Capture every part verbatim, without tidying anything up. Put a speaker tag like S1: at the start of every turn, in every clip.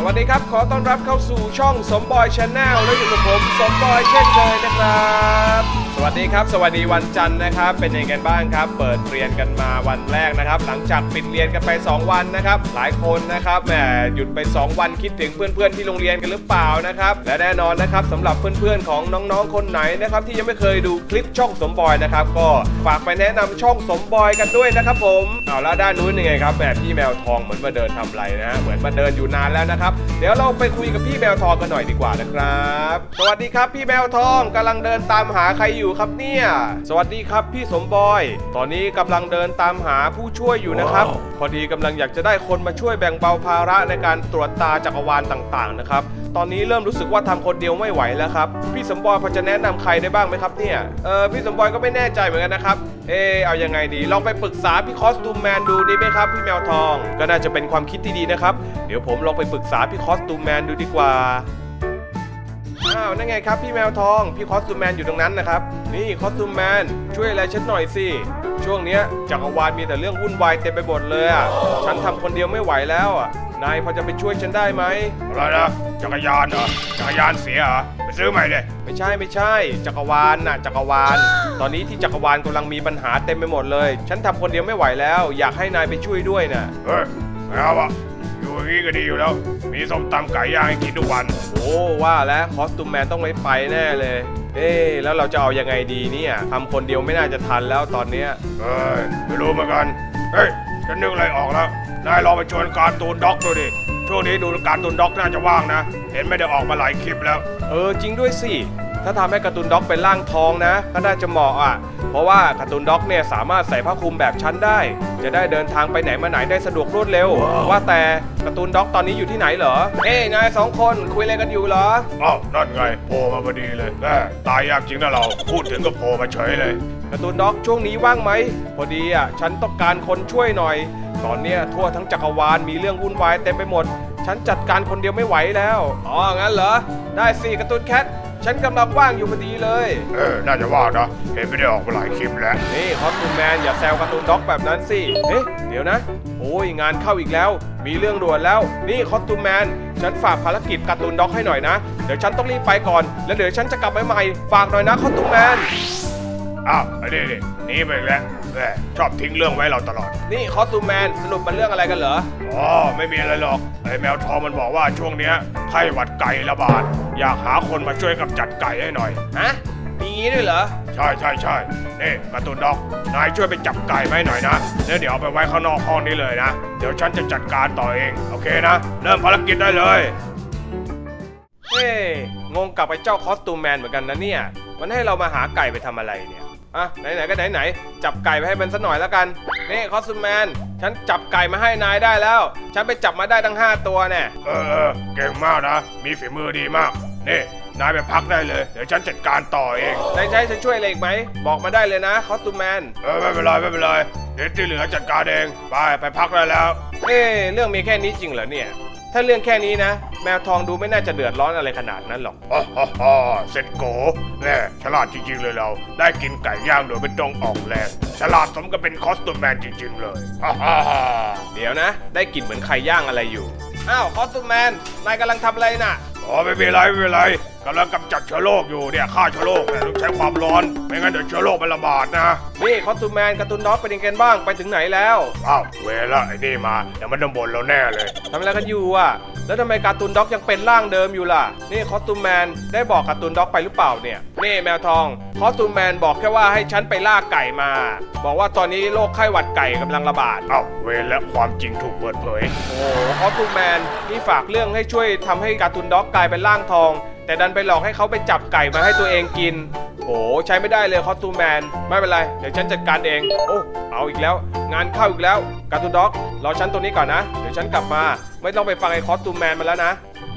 S1: วัสดีครับขอต้อนรับเข้าสู่ช่องสมบอยชาแนลและอยู่กับผมสมบอยเช่นเคยนะครับสวัสดีครับสวัสดีวันจันทร์นะครับเป็นยังไงบ้างครับเปิดเรียนกันมาวันแรกนะครับหลังจากปิดเรียนกันไปสองวันนะครับหลายคนนะครับแหมหยุดไปสองวันคิดถึงเพื่อนๆที่โรงเรียนกันหรือเปล่านะครับและแน่นอนนะครับสำหรับเพื่อนๆของน้องๆคนไหนนะครับที่ยังไม่เคยดูคลิปช่องสมบอยนะครับก็ฝากไปแนะนำช่องสมบอยกันด้วยนะครับผมเอาแล้วด้านนู้นยังไงครับแหมพี่แมวทองเหมือนมาเดินทำไรนะฮะเหมือนมาเดินอยู่นานแล้วนะครับเดี๋ยวเราไปคุยกับพี่แมวทองกันหน่อยดีกว่านะครับสวัสดีครับพี่แมวทองกำลังเดินตามหาใครอยู่ครับเนี่ยสวัสดีครับพี่สมบอยตอนนี้กำลังเดินตามหาผู้ช่วยอยู่นะครับ wow. พอดีกำลังอยากจะได้คนมาช่วยแบ่งเบาภาระในการตรวจตาจักรวาลต่างๆนะครับตอนนี้เริ่มรู้สึกว่าทำคนเดียวไม่ไหวแล้วครับพี่สมบอยพอจะแนะนำใครได้บ้างไหมครับเนี่ยเออพี่สมบอยก็ไม่แน่ใจเหมือนกันนะครับเออเอายังไงดีลองไปปรึกษาพี่คอสตูมแมนดูดีไหมครับพี่แมวทองก็น่าจะเป็นความคิดที่ดีนะครับเดี๋ยวผมลองไปปรึกษาพี่คอสตูมแมนดูดีกว่าอ้าวนั่นไงครับพี่แมวทองพี่คอสตูมแมนอยู่ตรงนั้นนะครับนี่คอสตูมแมนช่วยอะไรฉันหน่อยสิช่วงนี้จักรวาลมีแต่เรื่องวุ่นวายเต็มไปหมดเลยอ่ะฉันทำคนเดียวไม่ไหวแล้วอ่ะนายพอจะไปช่วยฉันได้ไหมอะไรนะจักรยานเหรอจักรยานเสียเหรอไปซื้อใหม่เลยไม่ใช่ไม่ใช่จักรวาลน่ะจักรวาลตอนนี้ที่จักรวาลกำลังมีปัญหาเต็มไปหมดเลยฉันทำคนเดียวไม่ไหวแล้วอยากให้นายไปช่วยด้วยน่ะเฮ้ยไม่เอาอะอยู่อย่างนี้ก็ดีอยู่แล้วมีส้มตำไก่ย่างให้กินทุกวันโอ้ว่าแล้วคอสตูมแมนต้องไม่ไปแน่เลยเอ๊ะแล้วเราจะเอายังไงดีเนี่ยทำคนเดียวไม่น่าจะทันแล้วตอนเนี้ยเอ้ยไม่รู้เหมือนกันเฮ้ยฉันนึกอะไรออกแล้วนายลองไปชวนการ์ตูนด็อกดูดิช่วงนี้ดูการ์ตูนด็อกน่าจะว่างนะเห็นไม่ได้ออกมาหลายคลิปแล้วเออจริงด้วยสิถ้าทำให้การ์ตูนด็อกเป็นร่างทองนะก็น่าจะเหมาะอ่ะเพราะว่าการ์ตูนด็อกเนี่ยสามารถใส่ผ้าคลุมแบบชั้นได้จะได้เดินทางไปไหนมาไหนได้สะดวกรวดเร็ว wow. ว่าแต่การ์ตูนด็อกตอนนี้อยู่ที่ไหนเหรอเอ้ยนายสองคนคุยอะไรกันอยู่เหรออ้าวนั่นไงโผล่มาพอดีเลยแม่ตายยากจริงนะเราพูดถึงก็โผล่มาเฉยเลยการ์ตูนด็อกช่วงนี้ว่างไหมพอดีอ่ะฉันต้องการคนช่วยหน่อยตอนเนี้ยทั่วทั้งจักรวาลมีเรื่องวุ่นวายเต็มไปหมดฉันจัดการคนเดียวไม่ไหวแล้วอ๋องั้นเหรอได้สิการ์ตูนแคทฉันกำลังว่างอยู่พอดีเลยเออน่าจะว่างนะเห็นไม่ได้ออกมาหลายคลิปแล้วนี่คอสตูมแมนอย่าแซวการ์ตูนด็อกแบบนั้นสิเอ๊ะเดี๋ยวนะโอ้ยงานเข้าอีกแล้วมีเรื่องด่วนแล้วนี่คอสตูมแมนฉันฝากภารกิจการ์ตูนด็อกให้หน่อยนะเดี๋ยวฉันต้องรีบไปก่อนแล้วเดี๋ยวฉันจะกลับมาใหม่ฝากหน่อยนะคอสตูมแมนอ้าวไอ้นี่นี่นี่ไปแล้วแม่ชอบทิ้งเรื่องไว้เราตลอดนี่คอสตูมแมนสรุปมันเรื่องอะไรกันเหรออ๋อไม่มีอะไรหรอกไอ้แมวทองมันบอกว่าช่วงเนี้ยไข้หวัดไก่ระบาดอยากหาคนมาช่วยกำจัดไก่ให้หน่อยฮะมีงี้ด้วยเหรอใช่ใช่ใช่นี่การ์ตูนด็อกนายช่วยไปจับไก่มาให้หน่อยนะแล้วเดี๋ยวเอาไปไว้ข้างนอกห้องนี้เลยนะเดี๋ยวฉันจะจัดการต่อเองโอเคนะเริ่มภารกิจได้เลยเฮ้งงกับไอ้เจ้าคอสตูมแมนเหมือนกันนะเนี่ยมันให้เรามาหาไก่ไปทำอะไรเนี่ยอ่ะไหนๆก็ไหนๆจับไก่ไปให้มันสักหน่อยแล้วกันนี่คอสตูมแมนฉันจับไก่มาให้นายได้แล้วฉันไปจับมาได้ทั้งห้าตัวแน่เออเออเก่งมากนะมีฝีมือดีมากนี่นายไปพักได้เลยเดี๋ยวฉันจัดการต่อเองนายใช้ฉันช่วยอะไรอีกไหมบอกมาได้เลยนะคอสตูมแมนเออไม่เป็นไรไม่เป็นไรเดี๋ยวที่เหลือจัดการเองไปไปพักได้แล้วเอ๊เรื่องมีแค่นี้จริงเหรอเนี่ยถ้าเรื่องแค่นี้นะแมวทองดูไม่น่าจะเดือดร้อนอะไรขนาดนั้นหรอกอ๋ออ๋อเสร็จโกแน่ฉลาดจริงๆเลยเราได้กินไก่ย่างโดยไม่ต้องออกแรงฉลาดสมกับเป็นคอสตูมแมนจริงๆเลยเดี๋ยวนะได้กลิ่นเหมือนไข่ย่างอะไรอยู่อ้าวคอสตูมแมนนายกำลังทำอะไรน่ะอ๋อไม่เป็นไรไม่เป็นไรกำลังกำจัดเชื้อโรคอยู่เนี่ยฆ่าเชื้อโรคเนี่ยต้องใช้ความร้อนไม่งั้นเดี๋ยวเชื้อโรคมันระบาดนะนี่คอสตูมแมนการ์ตูนด็อกเป็นยังไงบ้างไปถึงไหนแล้วอ้าวเวลาไอ้นี่มาเดี๋ยวมันจะบ่นเราแน่เลยทำอะไรกันอยู่อ่ะแล้วทำไมการ์ตูนด็อกยังเป็นร่างเดิมอยู่ล่ะนี่คอสตูมแมนได้บอกการ์ตูนด็อกไปหรือเปล่าเนี่ยนี่แมวทองคอสตูมแมนบอกแค่ว่าให้ฉันไปล่าไก่มาบอกว่าตอนนี้โรคไข้หวัดไก่กำลังระบาดอ้าวเวลและความจริงถูกเปิดเผยโอ้คอสตูมแมนนี่ฝากเรื่องให้ช่วยทำให้การ์ตูนด็อกกลายเป็นร่างทองแต่ดันไปหลอกให้เขาไปจับไก่มาให้ตัวเองกินโอ้ใช้ไม่ได้เลยคอสตูมแมนไม่เป็นไรเดี๋ยวฉันจัดการเองโอ้เอาอีกแล้วงานเข้าอีกแล้วการ์ตูนด็อกรอฉันตัวนี้ก่อนนะเดี๋ยวฉันกลับมาไม่ต้องไปฟังไอ้คอสตูมแมนมาแล้วนะ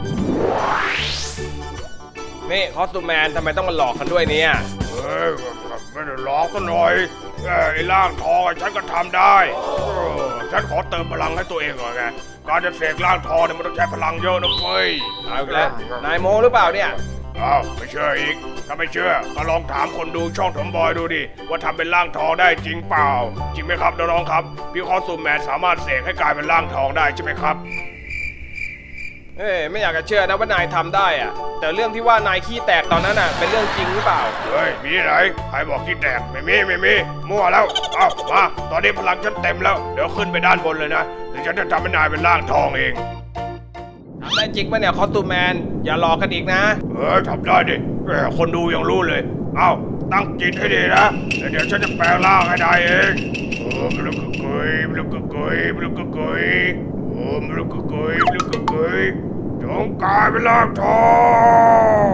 S1: นี่คอสตูมแมนทำไมต้องมาหลอกกันด้วยเนี่ยเฮ้ยไม่ได้หลอกกันหน่อยไอ้ร่างทองฉันก็ทำได้ฉันขอเติมพลังให้ตัวเองก่อนไงการจะเสกร่างทองเนี่ยมันต้องใช้พลังเยอะนะเฟ้ยเอาอีกแล้วนายโมหรือเปล่าเนี่ยอ้าวไม่เชื่ออีกถ้าไม่เชื่อก็ลองถามคนดูช่องสมบอยดูดิว่าทำเป็นร่างทองได้จริงเปล่าจริงไหมครับน้องๆครับพี่คอสตูมแมนสามารถเสกให้กลายเป็นร่างทองได้ใช่ไหมครับเอ้ยไม่อยากจะเชื่อนะว่านายทำได้อะแต่เรื่องที่ว่านายขี้แตกตอนนั้นอ่ะเป็นเรื่องจริงหรือเปล่า
S2: เฮ้ยมีไหนใครบอกขี้แตกไม่มีไม่มีมั่วแล้วเอามาตอนนี้พลังฉันเต็มแล้วเดี๋ยวขึ้นไปด้านบนเลยนะเดี๋ยวฉันจะทำให้นายเป็นร่างทองเอง
S1: ทำได้จริงปะเนี่ยคอสตูมแมนอย่าหลอกกันอีกนะ
S2: เออทำได้ดิแหมคนดูยังรู้เลยเอ้าตั้งจิตให้ดีนะเดี๋ยวฉันจะแปลงร่างให้ได้เองโอ้มลุกกกุยมลุกกกุยมลุกกกุยโอ้มลุกกกุยมลุกกกุยจงกลายเป็นร่างทอง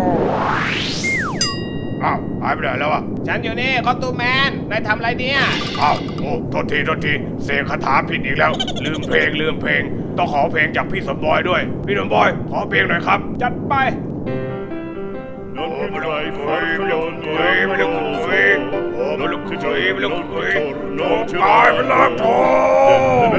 S2: อ้าวหายไปไหนแล้วอ่ะ
S1: ฉันอยู่นี่คอสตูมแมนนายทำอะไรเนี่ย
S2: อ้าวโอ้โทษทีโทษทีเสกคาถาผิดอีกแล้วลืมเพลงลืมเพลงต้องขอเพลงจากพี่สมบอยด้วยพี่สมบอยขอเพลงหน่อยครับ
S1: จัดไป
S2: โอ้มาลุกกุยมาลุกกุยมาลุกกุยโอ้มาลุกกุยมาลุกกุยจงกลายเป็นร่างทอง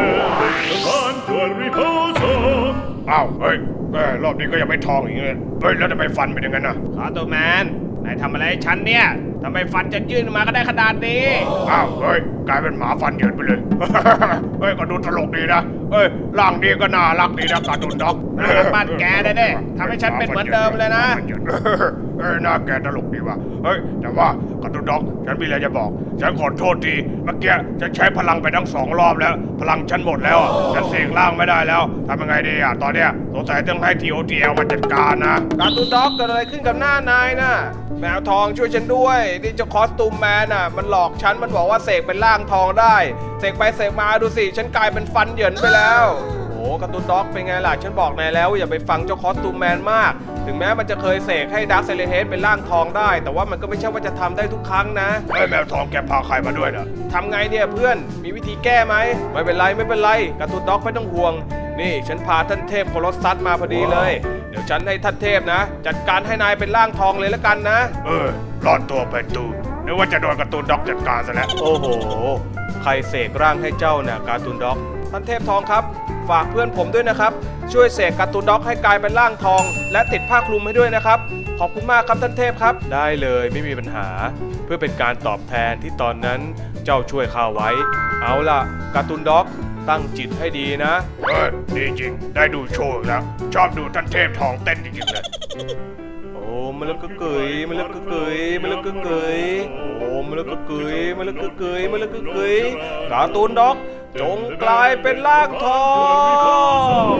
S2: อ้าวเฮ้ยรอบนี้ก็ยังไม่ทองอีกเลยเฮ้ยแล้วทำไมฟันเป็นอย่างนั้นน่ะ
S1: คอสตูมแมนนายทำอะไรฉันเนี่ยทำไมฟันจะยื่นมาก็ได้ขนาดนี้
S2: อ้าวเฮ้ยกลายเป็นหมาฟันเหยินไปเลยเฮ้ยก็ดูตลกดีนะเฮ้ยร่างนี้ก็น่ารักดีนะการ์ตูนด็อก
S1: น่ารักบ้านแกได้เด้ทำให้ฉันเป็นเหมือนเดิมเลยนะ
S2: เฮ้ยหน้าแกตลกดีว่ะเฮ้ยแต่ว่าการ์ตูนด็อกฉันมีอะไรจะบอกฉันขอโทษทีเมื่อกี้ฉันใช้พลังไปทั้งสองรอบแล้วพลังฉันหมดแล้วฉันเสกร่างไม่ได้แล้วทำยังไงดีอ่ะตอนเนี้ยสงสัยต้องให้ ที โอ ที แอล มาจัดการนะ
S1: การ์ตูนด็อกเกิดอะไรขึ้นกับหน้านายน่ะแมวทองช่วยฉันด้วยนี่เจ้าคอสตูมแมนน่ะมันหลอกฉันมันบอกว่าเสกเป็นร่างทองได้เสกไปเสกมาดูสิฉันกลายเป็นฟันเหยินไปแล้วโอ้การ์ตูนด็อกเป็นไงล่ะฉันบอกนายแล้วอย่าไปฟังเจ้าคอสตูมแมนมากถึงแม้มันจะเคยเสกให้ดาร์คเซเลเฮดเป็นร่างทองได้แต่ว่ามันก็ไม่ใช่ว่าจะทำได้ทุกครั้งนะ
S2: เฮ้ยแมวทองแกพาใครมาด้วยนะ
S1: ทำไงเนี่ยเพื่อนมีวิธีแก้ไหมไม่เป็นไรไม่เป็นไรการ์ตูนด็อกไม่ต้องห่วงนี่ฉันพาท่านเทพโคลอสซัสมาพอดีเลยเดี๋ยวฉันให้ท่านเทพนะจัดการให้นายเป็นร่างทองเลยแล้วกันนะ
S2: เออรอดตัวไปตูนึกว่าจะโดนการ์ตูนด็อกจัดการซะแล้ว
S1: โอ้โหใครเสกร่างให้เจ้าน่ะการ์ตูนด็อกท่านเทพทองครับฝากเพื่อนผมด้วยนะครับช่วยเสกการ์ตูนด็อกให้กลายเป็นร่างทองและติดผ้าคลุมให้ด้วยนะครับขอบคุณมากครับท่านเทพครับได้เลยไม่มีปัญหาเพื่อเป็นการตอบแทนที่ตอนนั้นเจ้าช่วยข้าไว้เอาล่ะการ์ตูนด็อกตั้งจิตให้ดีนะ
S2: เออดีจริงได้ดูโชว์แล้วชอบดูท่านเทพทองเต้นจริงๆเลย
S1: โอ้มาลึกกึกยมาลึกกึกยมาลึกกึกยโอ้มาลึกกึกยมาลึกกึกยมาลึกกึกยการ์ตูนด็อกจงกลายเป็นร่างทอง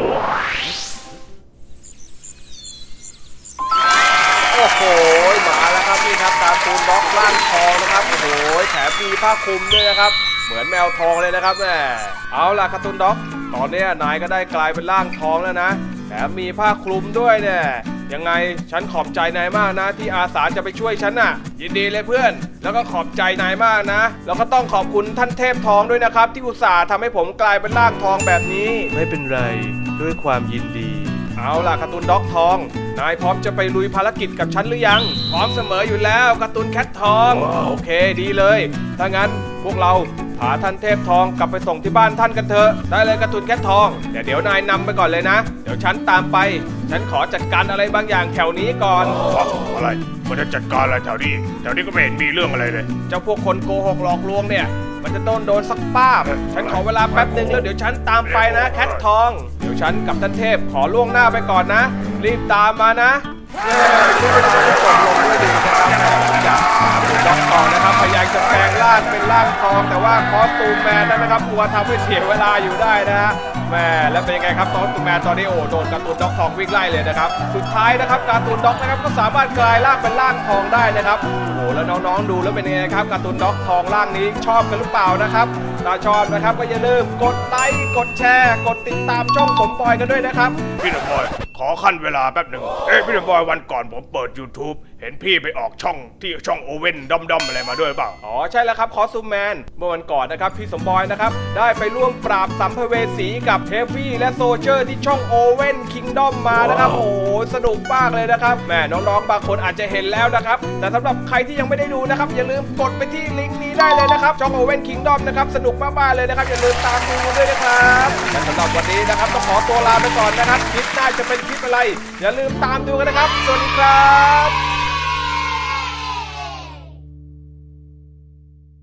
S1: โอ้โหมาแล้วครับนี่ครับการ์ตูนด็อกร่างทองนะครับโอ้โหแถมมีผ้าคลุมด้วยนะครับเหมือนแมวทองเลยนะครับแม่เอาล่ะการ์ตูนด็อกตอนนี้นายก็ได้กลายเป็นร่างทองแล้วนะแถมมีผ้าคลุมด้วยเนี่ยยังไงฉันขอบใจนายมากนะที่อาสาจะไปช่วยฉันน่ะยินดีเลยเพื่อนแล้วก็ขอบใจนายมากนะแล้วก็ต้องขอบคุณท่านเทพทองด้วยนะครับที่อุตส่าห์ทำให้ผมกลายเป็นร่างทองแบบนี้ไม่เป็นไรด้วยความยินดีเอาล่ะการ์ตูนด็อกทองนายพร้อมจะไปลุยภารกิจกับฉันหรือยังพร้อมเสมออยู่แล้วการ์ตูนแคททอง wow. โอเคดีเลยถ้างั้นพวกเราพาท่านเทพทองกลับไปส่งที่บ้านท่านกันเถอะได้เลยการ์ตูนแคททองแต่เดี๋ยวนายนำไปก่อนเลยนะเดี๋ยวฉันตามไปฉันขอจัดการอะไรบางอย่างแถวนี้ก่อน
S2: อะไรมันจะจัดการอะไรแถวนี้แถวนี้ก็ไม่เห็นมีเรื่องอะไรเลย
S1: เจ้าพวกคนโกหกหลอกลวงเนี่ยมันจะโดนโดนสักป้าบฉันขอเวลาแป๊บนึงแล้วเดี๋ยวฉันตามไปนะแคททองเดี๋ยวฉันกับท่านเทพขอล่วงหน้าไปก่อนนะรีบตามมานะเย้ที่เวลาจะจบลงด้วยดีนะครับจากด็อกทองนะครับพยายามจะแปลงร่างเป็นร่างทองแต่ว่าคอสตูมแมนนั้นนะครับกลัวทำให้เสียเวลาอยู่ได้นะฮะแม่แล้วเป็นยังไงครับคอสตูมแมนตอนนี้โอ้โดนการ์ตูนด็อกทองวิ่งไล่เลยนะครับสุดท้ายนะครับการ์ตูนด็อกนะครับก็สามารถกลายร่างเป็นร่างทองได้นะครับโอ้โหแล้วน้องๆดูแล้วเป็นยังไงครับการ์ตูนด็อกทองร่างนี้ชอบกันหรือเปล่านะครับถ้าชอบนะครับก็อย่าลืมกดไลค์กดแชร์กดติดตามช่องสมบอยกันด้วยนะครับ
S2: พี่หนุ่มบอยขอขั้นเวลาแป๊บหนึ่งเอ้ยพี่หนุ่มบอยวันก่อนผมเปิด ยูทูบ เห็นพี่ไปออกช่องที่ช่องโอเว่นด้อมๆอะไรมาด้วยเปล่า
S1: อ๋อใช่แล้วครับคอสตูมแมนเมื่อวันก่อนนะครับพี่สมบอยนะครับได้ไปร่วมปราบสัมภเวสีกับเฮฟวี่และโซเจอร์ที่ช่องโอเว่นคิงดอมมานะครับโอ้สนุกมากเลยนะครับแม่น้องๆบางคนอาจจะเห็นแล้วนะครับแต่สำหรับใครที่ยังไม่ได้ดูนะครับอย่าลืมกดไปที่ลิงก์นี้ได้เลยนะครับช่องโอเว่นคิงดอมนะครับสนุกมากๆเลยนะครับอย่าลืมตามดูด้วยนะครับและสำหรับวันนี้นะครับต้องขอตัวลาไปก่อนนะครับคลิปหน้าจะเป็นคลิปอะไรอย่าลืมตามดูกันนะครับสวัสดีครับ